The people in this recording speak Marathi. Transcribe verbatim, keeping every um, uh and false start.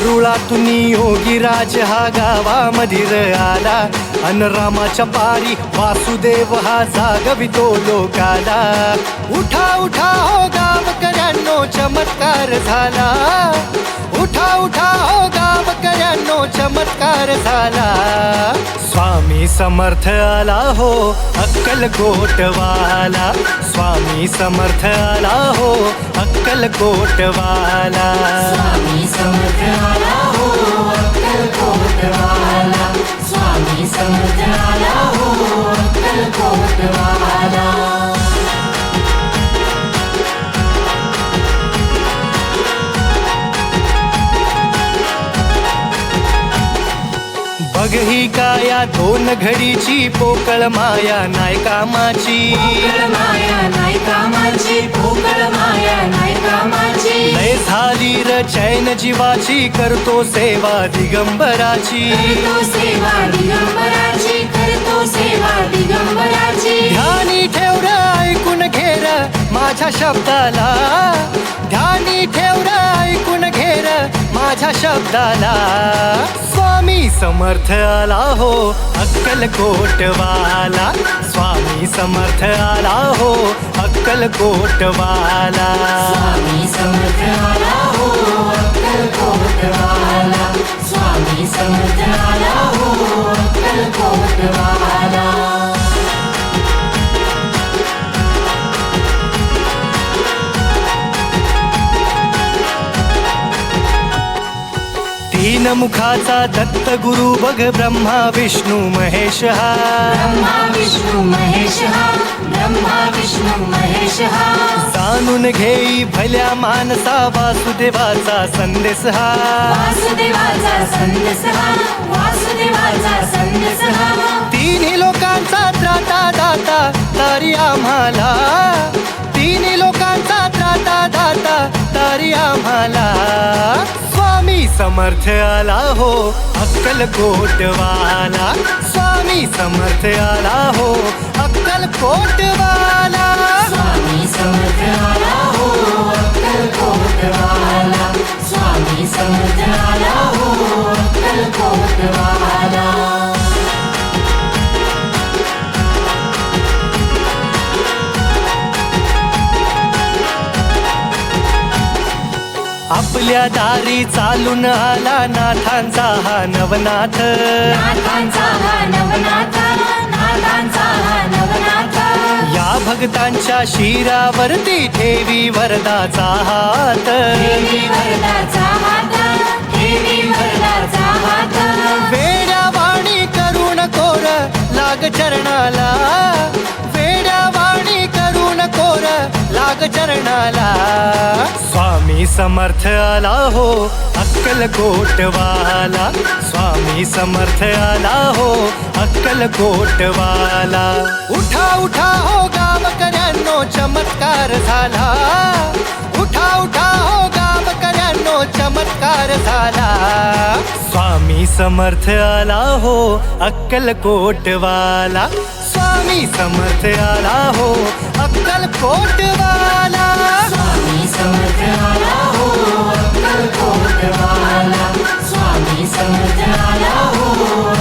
मारुळातून योगीराज हा गावामधीर आला, अन रामाच्या पारी वासुदेव हा जागवितो लोकाला. उठा उठा हो गावकऱ्यांनो चमत्कार झाला, उठा उठा हो गावकऱ्यांनो चमत्कार झाला. स्वामी समर्थ आला हो अक्कलकोटवाला, स्वामी समर्थ आला हो अक्कलकोटवाला. स्वामी समर्थ आला हो अक्कलकोटवाला, स्वामी समर्थ आला हो अक्कलकोटवाला. बघ ही काया दोन घडीची पोकळ माया नाय कामाची, पोकळ माया नाय कामाची, पोकळ माया नाय कामाची. लय झाली र चैन जीवाची, करतो सेवा दिगंबराची, करतो सेवा दिगंबराची, करतो सेवा दिगंबराची. ध्यानी ठेव र ऐकून घेर माझ्या शब्दाला, ध्यानी ठेव र ऐकून घेर माझ्या शब्दाला. स्वामी समर्थ आला हो अक्कलकोटवाला, स्वामी समर्थ आला हो अक्कलकोटवाला. स्वामी समर्थ आला हो अक्कलकोटवाला, स्वामी समर्थ आला हो अक्कलकोटवाला. तीन मुखाचा दत्त गुरु बघ ब्रह्मा विष्णू महेश हा, ब्रह्मा विष्णू महेश हा, ब्रह्मा विष्णू महेश हा. जाणून घेई भल्या मानसा वासुदेवाचा संदेश हा, वासुदेवाचा संदेश हा, वासुदेवाचा संदेश हा. तिन्ही लोकांचा त्राता दाता तारी आम्हाला, तिन्ही लोकांचा त्राता दाता तारी आम्हाला. स्वामी समर्थ आला हो अक्कलकोटवाला, स्वामी समर्थ आला हो अक्कलकोटवाला. स्वामी समर्थ आला हो अक्कलकोटवाला, स्वामी समर्थ आला हो अक्कलकोटवाला. आपल्या दारी चालून आला नाथांचा हा नवनाथ, नाथांचा हा नवनाथ, नाथांचा हा नवनाथ. या भक्तांच्या शिरावरती ठेवी वरदाचा हात, देवी वरदाचा हात, देवी वरदाचा हात. वेड्या वाणी करून कोर लाग चरणाला, वेड्या वाणी करून कोर लाग चरणाला. स्वामी समर्थ आला हो अक्कलकोटवाला, स्वामी समर्थ आला हो अक्कलकोटवाला. उठा उठा हो गावकऱ्यांनो चमत्कार झाला, उठा उठा हो गावकऱ्यांनो चमत्कार झाला. स्वामी समर्थ आला हो अक्कलकोटवाला, स्वामी समर्थ आला हो अक्कलकोटवाला. स्वामी समर्थ आला हो अक्कलकोटवाला, स्वामी समर्थ आला हो